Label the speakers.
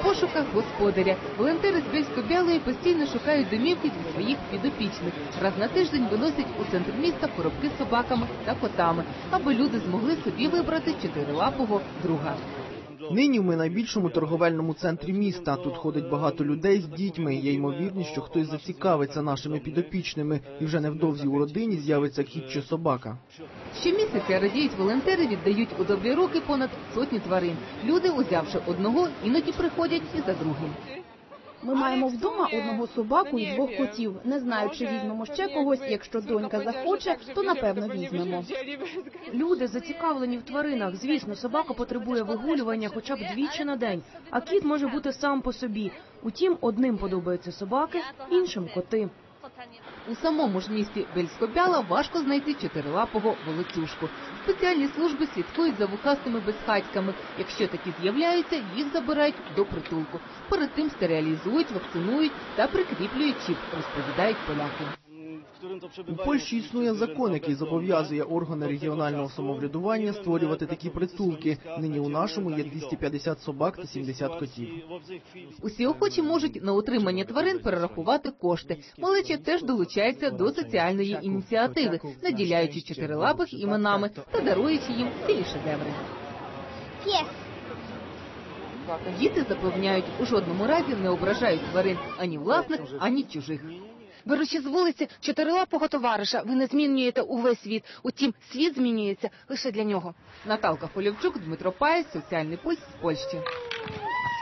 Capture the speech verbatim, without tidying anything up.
Speaker 1: пошуках господаря. Волонтери з Бєльсько-Бялої постійно шукають домівки для своїх підопічних. Раз на тиждень виносять у центр міста коробки з собаками та котами, аби люди змогли собі вибрати чотирилапого друга.
Speaker 2: Нині ми в найбільшому торговельному центрі міста. Тут ходить багато людей з дітьми. Є ймовірність, що хтось зацікавиться нашими підопічними. І вже невдовзі у родині з'явиться кіт чи собака.
Speaker 1: Щомісяця, радіють волонтери, віддають у добрі руки понад сотню тварин. Люди, узявши одного, іноді приходять і за другим.
Speaker 3: Ми маємо вдома одного собаку і двох котів. Не знаю, чи візьмемо ще когось. Якщо донька захоче, то напевно візьмемо.
Speaker 4: Люди зацікавлені в тваринах. Звісно, собака потребує вигулювання хоча б двічі на день, а кіт може бути сам по собі. Утім, одним подобаються собаки, іншим – коти.
Speaker 1: У самому ж місті Бєльсько-Бяла важко знайти чотирилапого волоцюжку. Спеціальні служби слідкують за вухастими безхатьками. Якщо такі з'являються, їх забирають до притулку. Перед тим стерилізують, вакцинують та прикріплюють чіп, розповідають поляки.
Speaker 2: У Польщі існує закон, який зобов'язує органи регіонального самоврядування створювати такі притулки. Нині у нашому є двісті п'ятдесят собак та сімдесят котів.
Speaker 1: Усі охочі можуть на утримання тварин перерахувати кошти. Малеча теж долучається до соціальної ініціативи, наділяючи чотирилапих іменами та даруючи їм цілі шедеври. Діти запевняють, у жодному разі не ображають тварин ані власних, ані чужих.
Speaker 5: Беручи з вулиці чотирилапого товариша, ви не змінюєте увесь світ. Утім, світ змінюється лише для нього.
Speaker 1: Наталка Полівчук, Дмитро Паєць, Соціальний пульс з Польщі.